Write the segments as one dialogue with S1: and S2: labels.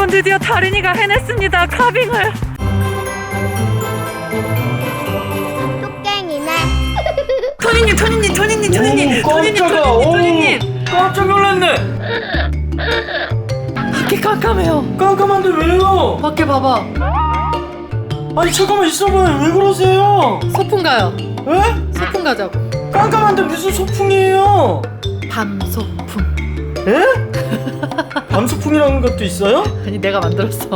S1: 여러분, 드디어 다린이가 해냈습니다. 카빙을.
S2: 뚝갱이네.
S1: 토니님.
S3: 깜짝 놀랐네.
S1: 밖에 깜깜해요.
S3: 깜깜한데 왜요?
S1: 밖에 봐봐.
S3: 아니 잠깐만 있어봐요. 왜 그러세요?
S1: 소풍 가요.
S3: 에?
S1: 소풍 가자고.
S3: 깜깜한데 무슨 소풍이에요?
S1: 밤 소풍.
S3: 에? 밤소풍이라는 것도 있어요?
S1: 아니, 내가 만들었어.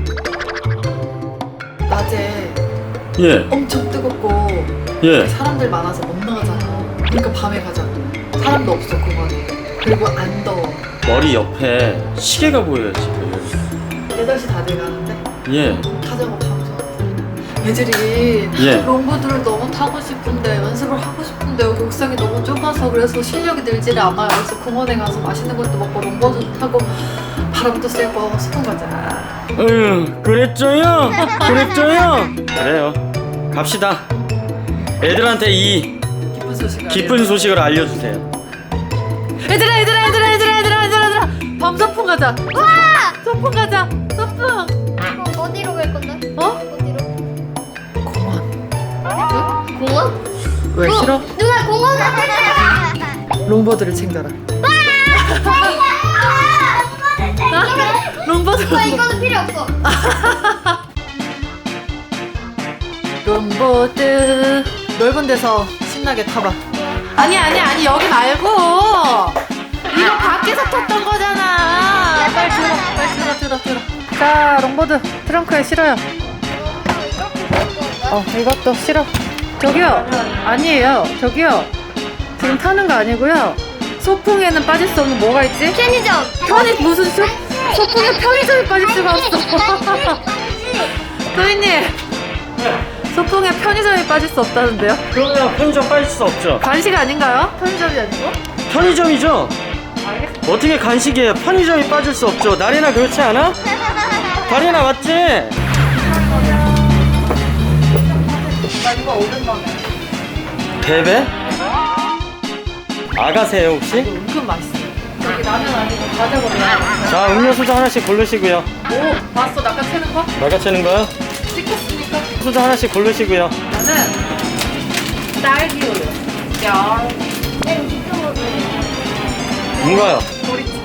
S1: 낮에
S3: 예.
S1: 엄청 뜨겁고
S3: 예.
S1: 사람들 많아서 못 나가잖아. 그러니까 밤에 가자고. 사람도 없어, 공원에. 그리고 안 더워.
S3: 머리 옆에 시계가 보여요 지금.
S1: 8시 다 돼가는데
S3: 예.
S1: 가자고. 밤 애들이
S3: 예.
S1: 롱보드를 너무 타고 싶은데, 연습을 하고 싶은데 여기 옥상이 너무 좁아서 그래서 실력이 늘지를 않아요. 그래서 공원에 가서 맛있는 것도 먹고 롱보드 타고 바람도 쐬고 소풍 가자.
S3: 그랬죠요? 그래요. 갑시다. 애들한테 이
S1: 기쁜 소식.
S3: 기쁜 소식을 알려주세요.
S1: 얘들아. 밤 소풍 가자. 와! 소풍 가자. 소풍.
S2: 그럼 어디로 갈 건데?
S1: 어?
S2: 어디로?
S1: 공원.
S2: 공원?
S1: 왜 싫어?
S2: 누가 공원을 가자.
S1: 롱보드를 챙겨라. 롱보드.
S2: 이거는 필요 없어.
S1: 롱보드 넓은 데서 신나게 타봐. 아니 여기 말고 이거 밖에서 탔던 거잖아. 빨리 들어. 자, 롱보드 트렁크에 실어요. 이것도 실어. 저기요, 아니에요. 저기요, 지금 타는 거 아니고요. 소풍에는 빠질 수 없는 뭐가 있지?
S2: 편의점.
S1: 무슨 소풍에 편의점이 빠질 수가 없어. 소희님, 소풍에 편의점이 빠질 수 없다는데요?
S3: 그러면 편의점 빠질 수 없죠.
S1: 간식 아닌가요? 편의점이 아니고?
S3: 편의점이죠.
S1: 알겠어.
S3: 어떻게 간식이에요? 편의점이 빠질 수 없죠. 나리나 그렇지 않아? 다리나 맞지?
S1: 나 이거 오랜만에.
S3: 베베? 아가세요 혹시?
S1: 이거 은근 맛있어요. 여기 라면 아니고 과자 골라.
S3: 자, 음료수도 하나씩 고르시고요.
S1: 오, 봤어? 낚아채는 거?
S3: 나가채는 거요?
S1: 찍혔으니까.
S3: 수도 하나씩 고르시고요.
S1: 나는 딸기우유. 야,
S3: 뭔가요?
S1: 보리차.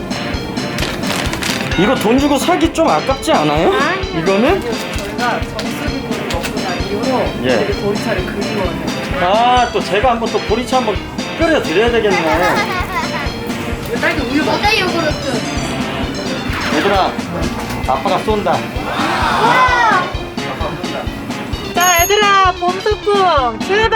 S3: 이거 돈 주고 사기 좀 아깝지 않아요? 이거는?
S1: 저희가 정수기구를 먹고 난 이후로
S3: 예.
S1: 애들이 보리차를 그리워해요.
S3: 아, 또 제가 한번 또 보리차 한번 끓여 드려야 되겠네.
S1: 이거 딸기 우유 먹어.
S2: 모자 요구르트.
S3: 얘들아, 아빠가 쏜다.
S1: 자, 얘들아, 봄소풍 출발!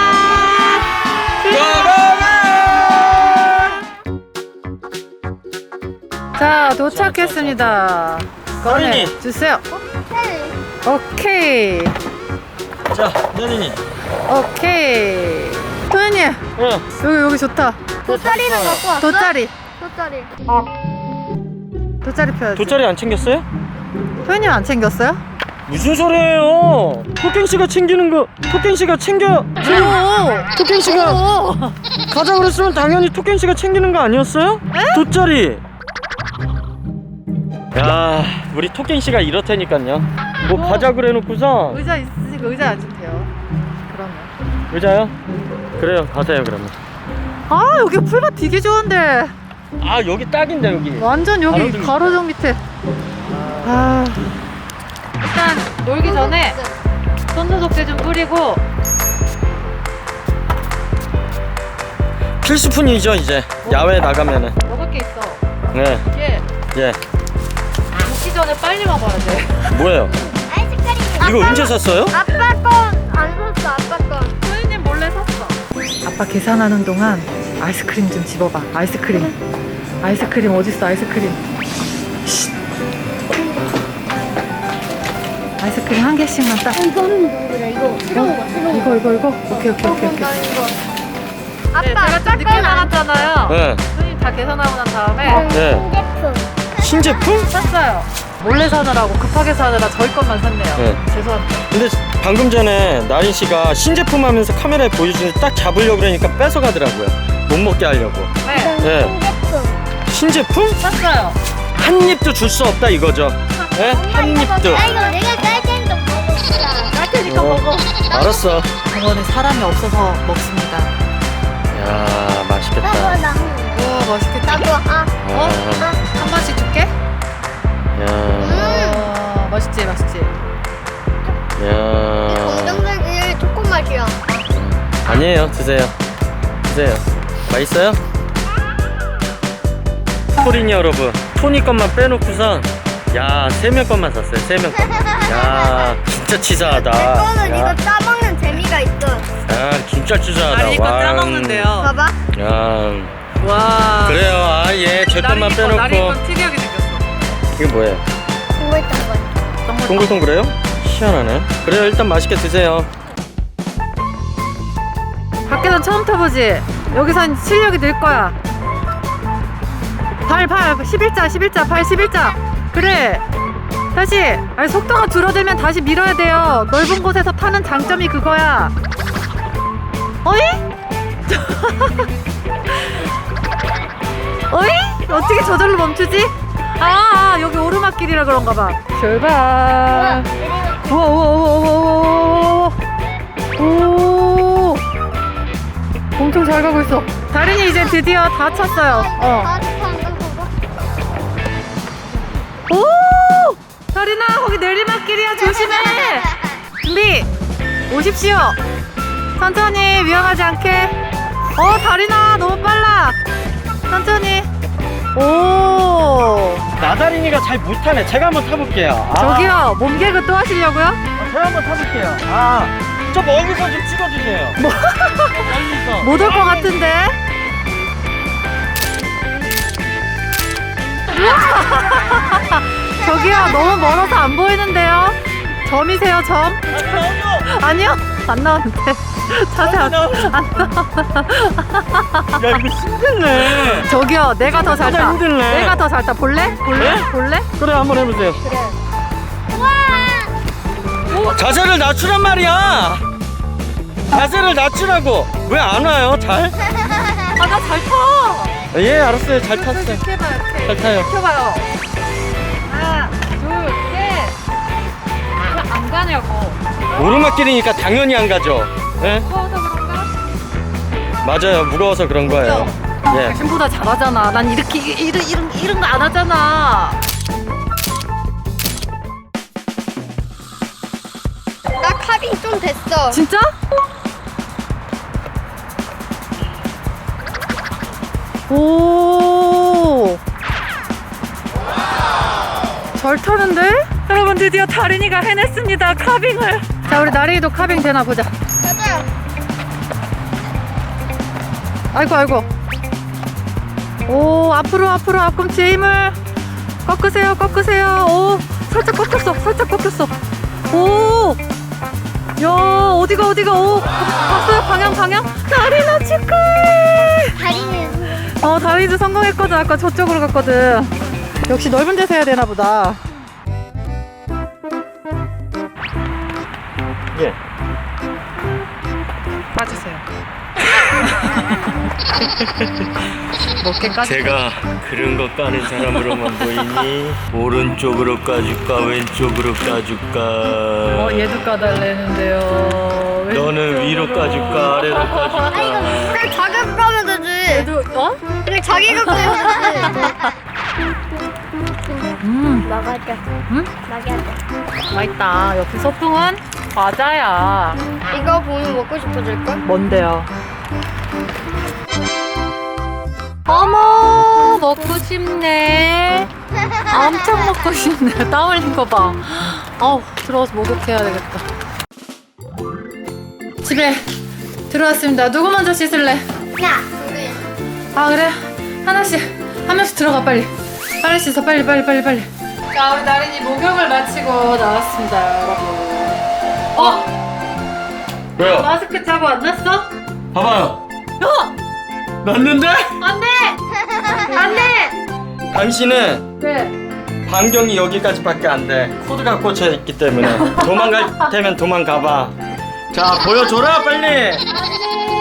S1: 자, 도착했습니다. 꺼내
S3: 서윤이.
S1: 주세요. 오케이.
S3: 자, 연인이.
S1: 오케이. 토연이,
S3: 응.
S1: 여기 좋다.
S2: 돗자리는 갖고 왔어?
S1: 돗자리.
S2: 돗자리.
S1: 돗자리 펴야지.
S3: 돗자리 안 챙겼어요?
S1: 토연이 안 챙겼어요?
S3: 무슨 소리예요? 토깽 씨가 챙기는 거, 토깽 씨가 챙겨. 토깽 씨가 가자 그랬으면 당연히 토깽 씨가 챙기는 거 아니었어요? 돗자리. 야, 우리 토깽 씨가 이렇다니까요. 뭐 가자 그래놓고서
S1: 의자 있으니까 의자에 앉으면 돼요. 그러면.
S3: 의자요? 그래요, 가세요 그러면.
S1: 아, 여기 풀밭 되게 좋은데.
S3: 아, 여기 딱인데 여기.
S1: 완전 여기
S3: 가로등
S1: 가로등 밑에. 아, 일단 놀기 전에 손소독제 좀 뿌리고.
S3: 필수품이죠 이제 야외에 나가면은.
S1: 먹을 게 있어.
S3: 네,
S1: 이게
S3: 예.
S1: 먹기 전에 빨리 먹어야 돼.
S3: 뭐예요?
S2: 아이스크림.
S3: 이거 언제 샀어요?
S2: 아빠 건 안 샀어. 아빠 건.
S1: 소희님 몰래 샀어. 아빠 계산하는 동안 아이스크림 좀 집어봐. 아이스크림. 아이스크림 어딨어? 아이스크림. 쉿. 아이스크림 한 개씩만 딱.
S2: 이거는 뭐야? 이거 새로운 거.
S1: 이거. 오케이.
S2: 아빠
S1: 네, 제가 좀 늦게 나갔잖아요.
S3: 네.
S1: 손님 다 계산하고 난 다음에
S3: 네.
S2: 신제품.
S3: 신제품?
S1: 샀어요. 몰래 사느라고 급하게 사느라 저희 것만 샀네요.
S3: 네.
S1: 죄송합니다.
S3: 근데 방금 전에 나린 씨가 신제품 하면서 카메라에 보여주는데 딱 잡으려고 그러니까 뺏어가더라고요. 못 먹게 하려고.
S1: 네,
S3: 네.
S2: 신제품.
S3: 신제품?
S1: 샀어요.
S3: 한 입도 줄 수 없다 이거죠. 예? 한 입도.
S2: 나 이거 내가 짤 테니까 먹어보자. 짤 테니까 먹어.
S3: 알았어.
S1: 병원에 사람이 없어서 먹습니다.
S3: 야, 맛있겠다.
S2: 나.
S1: 우와 맛있겠다.
S2: 나도
S1: 한 번씩 줄게.
S3: 야,
S1: 맛있지 맛있지.
S3: 야.
S2: 검정색이 초코 맛이야.
S3: 아니에요. 드세요. 드세요. 맛있어요? 토린이 여러분, 토니 것만 빼놓고선 야, 3명 것만 샀어요. 3명 것. 야, 진짜 치사하다.
S2: 이거는
S3: 야,
S2: 이거 짜먹는 재미가 있어.
S3: 야, 진짜 치사하다.
S1: 다리 이거
S3: 와.
S1: 짜먹는데요.
S2: 봐봐.
S3: 야,
S1: 와.
S3: 그래요. 아, 예, 제 것만
S1: 나리
S3: 빼놓고.
S1: 이거 특이하게 생겼어.
S3: 이게 뭐예요?
S2: 동글동글.
S3: 동글동글해요? 희한하네. 그래요, 일단 맛있게 드세요.
S1: 밖에서 처음 타보지? 여기선 실력이 늘 거야. 발 11자 발 11자. 그래 다시. 아니, 속도가 줄어들면 다시 밀어야 돼요. 넓은 곳에서 타는 장점이 그거야. 어이? 어이? 어떻게 저절로 멈추지? 여기 오르막길이라 그런가 봐. 출발. 우와. 오, 엄청 잘 가고 있어. 다린이 이제 드디어 다 찼어요. 오! 다린아, 거기 내리막길이야. 조심해. 준비. 오십시오. 천천히, 위험하지 않게. 다린아, 너무 빨라. 천천히. 오.
S3: 나다린이가 잘 못하네. 제가 한번 타볼게요.
S1: 저기요, 몸개그 또 하시려고요?
S3: 제가 한번 타볼게요. 저 멀리서 좀 찍어주세요. 멀리서.
S1: 못 올 것 같은데? 저기요, 너무 멀어서 안 보이는데요? 점이세요, 점? 아니요, 안 나오는데. 자세 안 나와.
S3: 야, 이거 힘들네.
S1: 저기요, 내가 더 잘 타.
S3: 힘들네.
S1: 내가 더 잘 타. 볼래?
S3: 네?
S1: 볼래?
S3: 그래, 한번 해보세요. 자세를 낮추란 말이야. 자세를 낮추라고. 왜 안 와요? 잘?
S1: 나 잘 타.
S3: 예, 알았어요. 잘 탔어요.
S1: 이렇게 해봐요, 이렇게.
S3: 잘 타요.
S1: 켜봐요. 하나, 둘, 셋. 왜 안 가냐고.
S3: 오르막길이니까 당연히 안 가죠. 예?
S1: 무거워서 그런가?
S3: 맞아요. 무거워서 그런 거예요. 예.
S1: 당신보다 잘하잖아. 난 이렇게 이런 거 안 하잖아.
S2: 나 카빙 좀 됐어.
S1: 진짜? 오. 잘 타는데? 여러분 드디어 다린이가 해냈습니다. 카빙을. 자, 우리 나린이도 카빙 되나 보자.
S2: 맞아요.
S1: 아이고. 오, 앞으로 앞꿈치에 힘을 꺾으세요. 오, 살짝 꺾였어. 오, 야, 어디가. 오, 봤어요? 방향. 다린아 축하해.
S2: 다리는
S1: 다린이도 성공했거든. 아까 저쪽으로 갔거든. 역시 넓은 데서 해야 되나 보다.
S3: 예.
S1: 빠지세요. 몇 개까지?
S3: 제가 그런 거 까는 사람으로만 보이니 오른쪽으로 까줄까 왼쪽으로 까줄까
S1: 얘도 까달래는데요.
S3: 너는 위로 까줄까 아래로 까줄까
S2: 그냥 자기가 까면 되지.
S1: 얘도
S2: 그냥 자기가 까면 되지. 먹어줘.
S1: 응?
S2: 먹여줘.
S1: 맛있다. 역시 소풍은 과자야.
S2: 이거 보면 먹고 싶어질걸?
S1: 뭔데요? 어머, 먹고 싶네. 엄청 먹고 싶네. 땀 흘린 거 봐. 들어가서 목욕해야 되겠다. 집에 들어왔습니다. 누구 먼저 씻을래?
S2: 야.
S1: 그래. 한 명씩 들어가 빨리. 빨리 씻어. 빨리. 자, 우리 나린이 목욕을 마치고 나왔습니다, 여러분.
S3: 왜요?
S1: 마스크 차고 안 났어?
S3: 봐봐요 났는데?
S1: 안 돼!
S3: 당신은
S1: 네.
S3: 반경이 여기까지밖에 안돼 코드가 꽂혀있기 때문에 도망갈 테면 도망가봐 자 보여줘라 빨리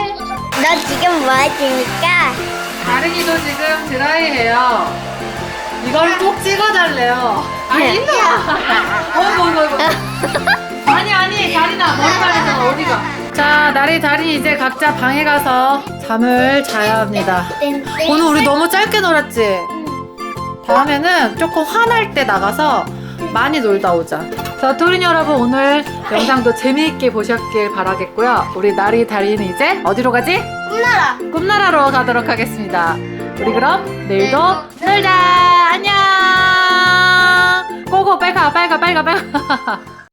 S2: 너 지금 뭐 했습니까?
S1: 다른이도 지금 드라이해요. 이걸 꼭 찍어달래요. 아니 일로 와. 어이구. 아니 다리나 머리카락이잖아. 어디가? 자 다리 이제 각자 방에 가서 잠을 자야 합니다. 오늘 우리 너무 짧게 놀았지? 다음에는 조금 화날 때 나가서 많이 놀다 오자. 자, 토린 여러분 오늘 영상도 재미있게 보셨길 바라겠고요. 우리 나리 다리는 이제 어디로 가지?
S2: 꿈나라.
S1: 꿈나라로 가도록 하겠습니다. 우리 그럼 내일도 놀자. 안녕. 고고 빨리 가.